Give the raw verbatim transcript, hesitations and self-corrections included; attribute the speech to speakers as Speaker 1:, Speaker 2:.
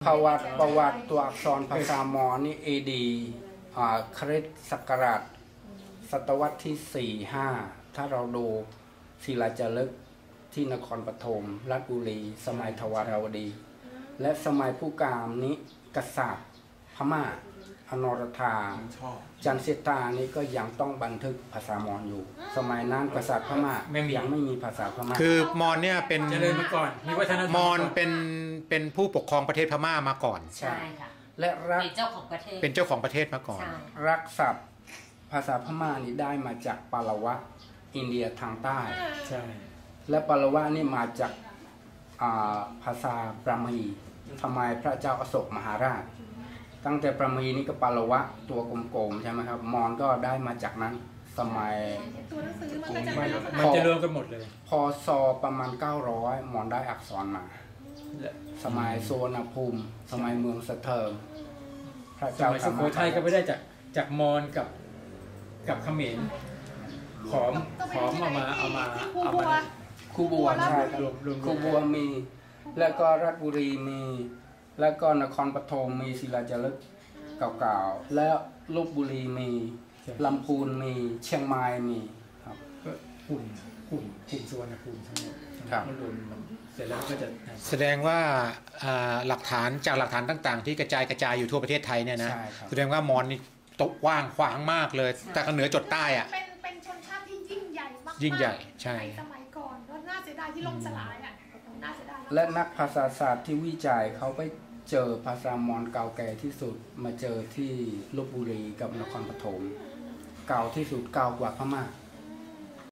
Speaker 1: ประวัติประวัติตัวอักษรภาษามอญนี่เอดีคริสต์ศักราชศตวรรษที่สี่ห้าถ้าเราดูศิลาจารึกที่นครปฐมราชบุรีสมัยทวารวดีและสมัยผู้กามนี้กษัตริย์พม่าอนรธาจันเสตานี่ก็ยังต้องบันทึกภาษามอญอยู่สมัยนั้นกษัตริย์พม่ายังไม่มีภาษาพม่า
Speaker 2: คือมอญเนี่ยเป็น
Speaker 3: เจริญมาก่อนมีวัฒนธรรม
Speaker 2: มอญเป็นเป็นผู้ปกครองประเทศพม่ามาก่อน
Speaker 4: ใช่ค่ะ
Speaker 1: และรัก
Speaker 4: เป็นเจ้าของประเทศ
Speaker 2: เป็นเจ้าของประเทศมาก่อน
Speaker 1: รักศัพท์ภาษาพม่านี่ได้มาจากปาละวะอินเดียทางใต้
Speaker 3: ใช่
Speaker 1: และปาละวะนี่มาจากภาษาปรามีทำไมพระเจ้าอโศกมหาราชตั้งแต่ปรามีนี่ก็ปาละวะตัวกลมๆใช่ไหมครับมอญก็ได้มาจากนั้นสมัย
Speaker 3: มันจะรวมกันหมดเลย
Speaker 1: พศประมาณเก้าร้อยมอญได้อักษรมาสมัยโซนภูมิสมัยเมืองสะเทิง
Speaker 3: พระเจ้าสุโขทัยก็ไม่ได้จากจากมอญกับกับเขมรขอมขอมเอามาเอามาเอามา
Speaker 1: คูบัวใช่ครับคูบัวมีแล้วก็ราชบุรีมีแล้วก็นครปฐมมีศิลาจารึกเก่าๆแล้วลพบุรีมีลำพูนมีเชียงใหม่มีครับ
Speaker 3: ก็หุ่นหุ่นหุ่นสุวรรณภูมิทั้งหมด
Speaker 1: ครับ
Speaker 3: เสร็จแล้วก็จะ
Speaker 2: แสดงว่าหลักฐานจากหลักฐานต่างๆที่กระจายกระจายอยู่ทั่วประเทศไทยเนี่ยนะแสดงว่ามอญนี่ตกว่างขวางมากเลยแต่เหนือจดใต้อะ
Speaker 5: เป็นเป็นชนชาติที่ยิ่งใหญ่มาก
Speaker 2: ยิ่งใหญ่ใช่
Speaker 5: สมัยก่อนแล้วน่าเสียดายที่ล่มสลายอ่ะน่าเสียดาย
Speaker 1: และนักภาษาศาสตร์ที่วิจัยเขาไปเจอภาษามอญเก่าแก่ที่สุดมาเจอที่ลพบุรีกับนครปฐมเก่าที่สุดเก่ากว่าพม่า